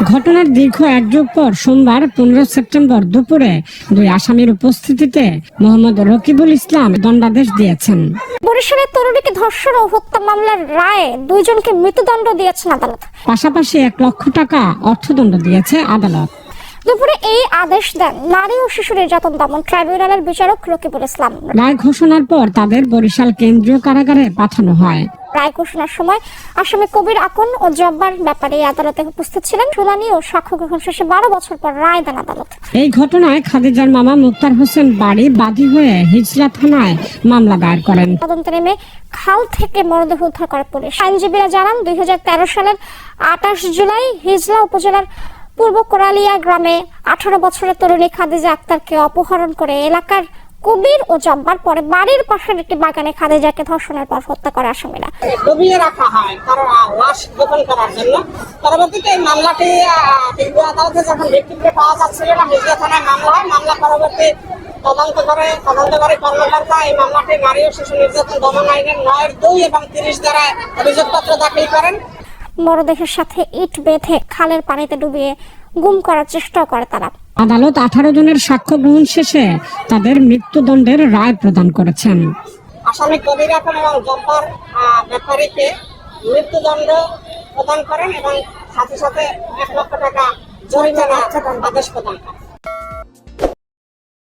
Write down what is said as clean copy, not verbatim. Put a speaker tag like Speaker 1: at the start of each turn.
Speaker 1: ঘটনার দীর্ঘ এক যুগ পর সোমবার 15 সেপ্টেম্বর দুপুরে দুই আসামির উপস্থিতিতে মোহাম্মদ রকিবুল ইসলাম দণ্ডাদেশ দিয়েছেন।
Speaker 2: বরিশালের তরুণীকে ধর্ষণ ও হত্যা মামলার রায়ে দুইজনকে মৃত্যুদণ্ড দিয়েছেন আদালত।
Speaker 1: পাশাপাশি 1 লক্ষ টাকা অর্থদণ্ড দিয়েছে আদালত।
Speaker 2: দুপুরে এই আদেশ দেন নারী ও শিশু নির্যাতন দমন ট্রাইব্যুনালের বিচারক রকিবুল ইসলাম।
Speaker 1: রায় ঘোষণার পর তাদের বরিশাল কেন্দ্রীয় কারাগারে পাঠানো হয়।
Speaker 2: রায় ঘোষণার সময় আসামি কবির আকন ও জব্বার ব্যাপারে আদালতে উপস্থিত ছিলেন। শুনানি ও সাক্ষ্য গ্রহণ শেষে 12 বছর পর রায় দেন আদালত।
Speaker 1: এই ঘটনায় খাদিজার মামা মুক্তার হোসেন বাড়ি বাদী হয়ে হিজলা থানায় মামলা দায়ের করেন।
Speaker 2: তদন্তে নেমে খাল থেকে মরদেহ উদ্ধার করে পুলিশ। আইনজীবীরা জানান 2013 সালের 28 জুলাই হিজলা উপজেলার পূর্ব কোরালিয়া গ্রামে 18 বছরের তরুণী খাদিজা আক্তারকে অপহরণ করে এলাকার কবির ও জব্বার পরে বাড়ির পাশের একটি বাগানে খাদিজাকে ধর্ষণের পর হত্যা করে আসামিরা।
Speaker 3: ডুবিয়ে রাখা হয় কারণ লাশ গোপন করার জন্য। পরবর্তীতে এই মামলাটি কেন্দ্রীয় আদালতে যখন ভিক্টিমকে পাওয়া যাচ্ছিল না, হিজলা থানায় মামলা হয়। মামলা পরবর্তী তদন্তকারী কর্মকর্তা এই মামলাটি নারী ও শিশু নির্যাতন দমন আইনের 9(2) এবং 30 ধারায় অভিযোগপত্র দাখিল করেন।
Speaker 2: মরদেহের সাথে ইট বেঁধে খালের পানিতে ডুবিয়ে গুম করার চেষ্টা করে তারা।
Speaker 1: আদালত 18 জনের সাক্ষ্য গ্রহণ শেষে তাদের মৃত্যুদণ্ডের রায় প্রদান করেছেন।
Speaker 3: আসামি কবির আকন এবং জব্বার ব্যাপারীকে মৃত্যুদণ্ড প্রদান করেন এবং সাথে সাথে 1 লক্ষ টাকা জরিমানা আদেশ প্রদান করেন।